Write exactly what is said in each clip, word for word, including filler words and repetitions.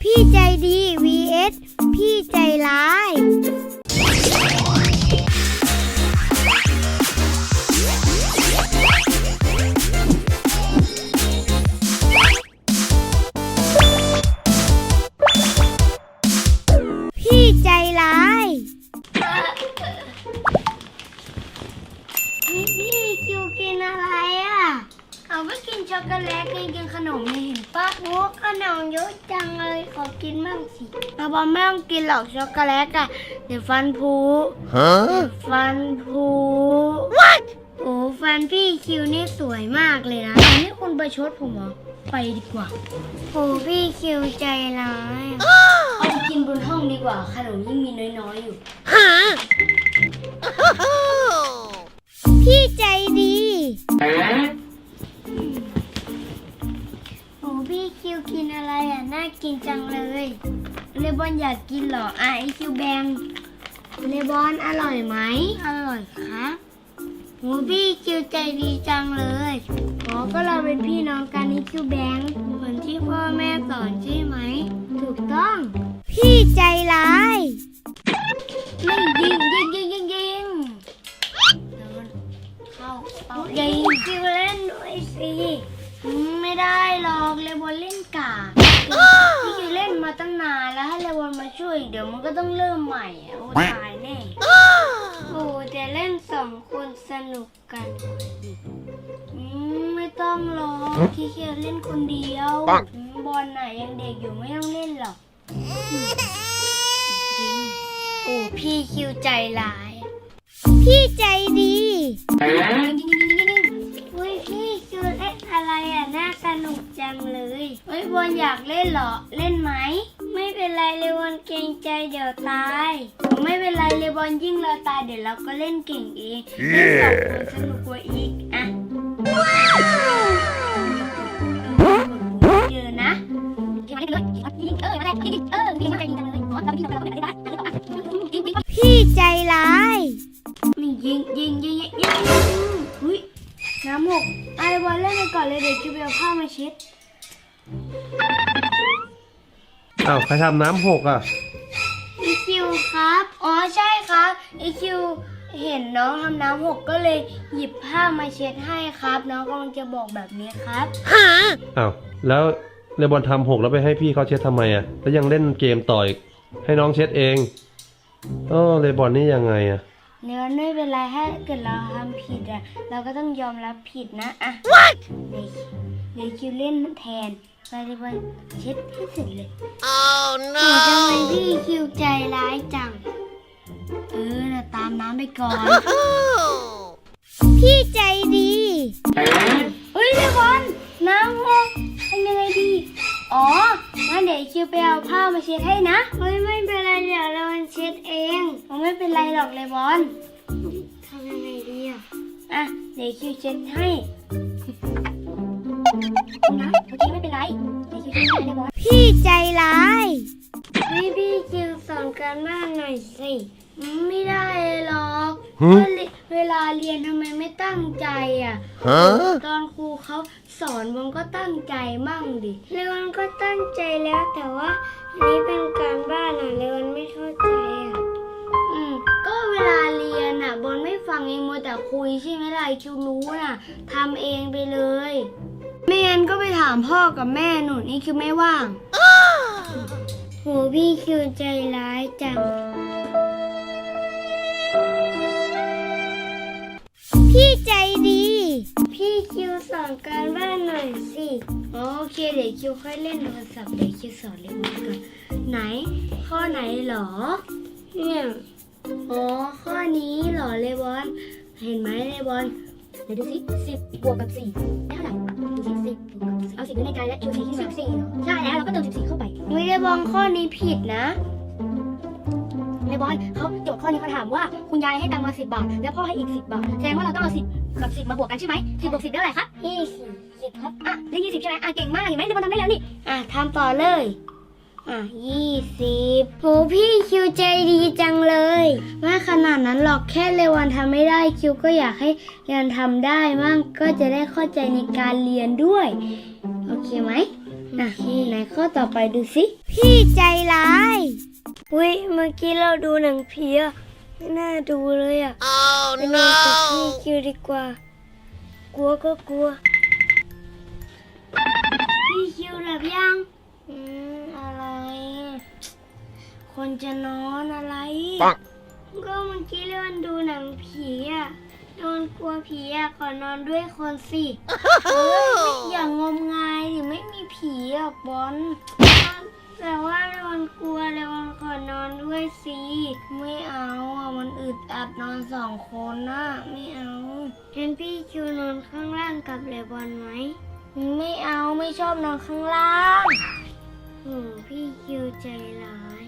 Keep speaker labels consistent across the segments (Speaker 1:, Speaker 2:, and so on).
Speaker 1: พี่ใจดี วี เอส พี่ใจร้ายพี่ใจร้ายพี่พี่คิวกินอะไรอ่ะเอาไปกินช็อกโกแลตกินกินขนมนี่เห็นปะโอ้ขนมเยอะจังเลยขอกินบ้างสิเราบอกไม่ต้องกินหรอกช็อกโกแลตอ่ะเดี๋ยวฟันผุฮะฟันผุ what โอ้ฟันพี่คิวนี่สวยมากเลยนะนี่คุณประชดผมเหรอไปดีกว่าโอ้พี่คิวใจร้ายเอาไปกินบนห้องดีกว่าขนมยิ่งมีน้อยๆอยู่ฮะพี่ใจดีโอ้พี่คิวกินอะไรอ่ะน่ากินจังเลยเลบอนอยากกินเหรออ่ะไอคิวแบงเลบอนอร่อยไหมอร่อยครับโอ้พี่คิวใจดีจังเลยอ๋อก็เราเป็นพี่น้องกันไอคิวแบงเหมือนที่พ่อแม่สอนใช่ไหมถูกต้องพี่ใจร้ายไม่ยิงยิงยิงยิงยิงเข้าเอายิงคิวเล่นด้วยสิไม่ได้หรอกเลบอนเล่นกาพี่คิวเล่นมาตั้งนานแล้วให้เลบอนมาช่วยเดี๋ยวมันก็ต้องเริ่มใหม่โอ้ตายแน่โอ้แต่เล่นสองคนสนุกกันไม่ต้องหรอกพี่คิวเล่นคนเดียวบอลน่ะยังเด็กอยู่ไม่ต้องเล่นหรอกจริงโอ้พี่คิวใจร้ายพี่ใจดีเฮ้ยพี่คิวเล่นอะไรอ่ะน่าสนุกจังเลยเฮ้ยบอลอยากเล่นเหรอเล่นไหมไม่เป็นไรเลยบอลเกรงใจเดี๋ยวตายไม่เป็นไรเลยบอลยิ่งเราตายเดี๋ยวเราก็เล่นเก่งเองเล่นสองคนสนุกกว่าอีกอ่ะเยอะนะพี่ใจร้ายนี่ยิงยิงยิงยิงยิงอุ้ยน้ำหกไอ้บอลเล่นไปก่อนเลยเดี๋ยวคิวไปเอาผ้ามาเช็ด
Speaker 2: อ้าวใครทำน้ำหกอ่ะ
Speaker 1: อีคิวครับอ๋อใช่ครับอีคิวเห็นน้องทำน้ำหกก็เลยหยิบผ้ามาเช็ดให้ครับน้องกำลังจะบอกแบบนี้ครับฮะ
Speaker 2: อ้าวแล้วเลบอนทำหกแล้วไปให้พี่เขาเช็ดทำไมอ่ะแล้วยังเล่นเกมต่ออีกให้น้องเช็ดเองโอ้เลบอนนี่ยังไงอ่ะ
Speaker 1: เนื้อไม่เป็นไรถ้าเกิดเราทำผิดอ่ะเราก็ต้องยอมรับผิดนะอ่ะ what เดี๋ยวคิวเล่นแทนไปเลยบอลเช็ดให้เสร็จเลย oh no ทำไมพี่คิวใจร้ายจังเออนะตามน้ำไปก่อน พี่ใจดีเฮ้ยเลยบอลน้ำหกทำยังไงดีอ๋องั้นเดี๋ยวคิวไปเอาผ้ามาเช็ดให้นะเฮ้ยไม่เป็นไรเดี๋ยวเราเช็ดเองผมไม่เป็นไรหรอกเลยบอลทำยังไงดีอ่ะอ่ะเดี๋ยวคิวเช็ดให้นะโอเคไม่เป็นไรเดี๋ยวคิวเช็ดให้เลยบอลพี่ใจร้ายพี่พี่คิวสอนการบ้านหน่อยสิไม่ได้หรอกเวลาเรียนทำไมไม่ตั้งใจอ่ะตอนครูเขาสอนมันก็ตั้งใจมั่งดิเลวันก็ตั้งใจแล้วแต่ว่าอันนี้เป็นการบ้านอ่ะเลวันไม่เข้าใจอ่ะอืมก็เวลาเรียนอ่ะบอลไม่ฟังเองมัวแต่คุยใช่ไหมล่ะคิวรู้น่ะทำเองไปเลยไม่งั้นก็ไปถามพ่อกับแม่หนูนี่คิวไม่ว่างโหพี่คิวใจร้ายจังพี่ใจดีพี่คิวสอนการบ้านหน่อยสิโอเคเดี๋ยวคิวค่อยเล่นโทรศัพท์เดี๋ยวคิวสอนเล่นก่อนไหนข้อไหนหรอเนี่ยอ๋อข้อนี้หรอเลบอนเห็นไหมเลบอนเดี๋ยวดูสิสิบบวกกับสี่ได้เท่าไหร่ดูสิสิบบวกกับสี่เอาสิบไว้ในใจแล้วคิวสี่สิบสี่ใช่แล้วเราก็เติมสิบสี่เข้าไปวิเลบอนข้อนี้ผิดนะเลบอนเขาโจทย์ข้อนี้เขาถามว่าคุณยายให้ตังค์มาสิบบาทแล้วพ่อให้อีกสิบบาทแสดงว่าเราต้องเอาสิบกับสิบมาบวกกันใช่ไหมสิบบวกสิบได้เท่าไหร่ครับยี่สิบสิบครับอ่ะได้ยี่สิบใช่ไหมอ่ะเก่งมากเห็นไหมเลบอนทำได้แล้วนี่อ่ะทำต่อเลยอ่ะยี่สิบโหพี่คิวใจดีจังเลยไม่ขนาดนั้นหรอกแค่เลวันทำไม่ได้คิวก็อยากให้เรียนทำได้มั่งก็จะได้เข้าใจในการเรียนด้วยโอเคไหมโหนะไหนข้อต่อไปดูสิพี่ใจร้ายอุ้ยเมื่อกี้เราดูหนังผีอะไม่น่าดูเลยอะไปนอนกับพี่คิวดีกว่ากลัวก็กลัวพี่คิวหลับยังอืมอะไรคนจะนอนอะไรก็เมื่อกี้เรื่องดูหนังผีอะนอนกลัวผีอะขอนอนด้วยคนสิเฮ้ยอย่างงมงายหรือไม่มีผีอะบอลแต่ว่าเรวันกลัวเรวันขอนอนด้วยสิไม่เอาอะมันอึดอัดนอนสองคนนะไม่เอางั้นพี่คิวนอนข้างล่างกับเรบอนไหมไม่เอาไม่ชอบนอนข้างล่างโอ้พี่คิวใจร้าย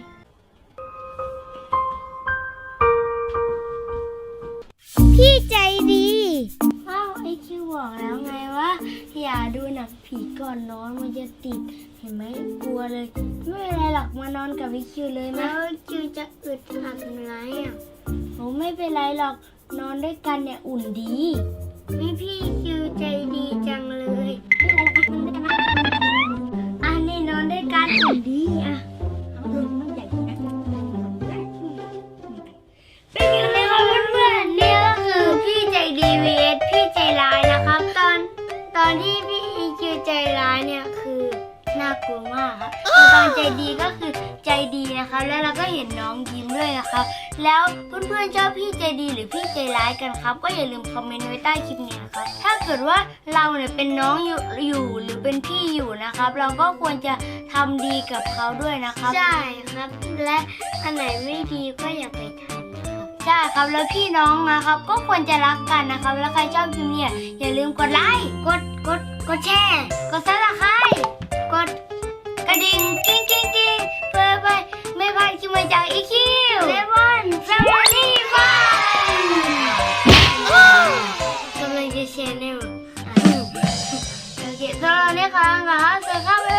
Speaker 1: พี่ใจดีอ้าวไอคิวบอกแล้วไงว่าอย่าดูหนังผีก่อนนอนมันจะติดเห็นไหมกลัวเลยไม่เป็นไรหรอกมานอนกับไอคิวเลยนะแล้วคิวจะอึดอัดไหมอ่ะโอ้ไม่เป็นไรหรอกนอนด้วยกันเนี่ยอุ่นดีนี่พี่คิวใจดีจังเลยอันนี้นอนด้วยกันอุ่นดีอ่ะเป็นยังไงครับเพื่อนๆนี่ก็คือพี่ใจดี วี เอส พี่ใจร้ายนะครับตอนตอนที่พี่คิวใจร้ายเนี่ยคือน่ากลัวมากครับแต่ตอนใจดีก็คือใจดีนะครับแล้วเราก็เห็นน้องยิ้มด้วยนะครับแล้วเพื่อนๆชอบพี่ใจดีหรือพี่ใจร้ายกันครับก็อย่าลืมคอมเมนต์ไว้ใต้คลิปนี้นะครับถ้าเกิดว่าเราเนี่ยเป็นน้องอยู่อยู่หรือเป็นพี่อยู่นะครับเราก็ควรจะทำดีกับเขาด้วยนะครับใช่ครับและอันไหนไม่ดีก็อย่าไปทำใช่ครับแล้วพี่น้องนะครับก็ควรจะรักกันนะครับแล้วใครชอบคลิปนี้อย่าลืมกดไลค์กดกดกดแชร์กดซับสไครบ์กดกระดิ่งกิ้งกิ้งกิ้งเพื่อไปไม่พลาดคลิปใหม่จากอีคิวเลมอนแฟมิลี่ฟันกำลังจะแชร์แน่โอเคสำหรับวันนี้ค่ะงั้นสวัสดีครับ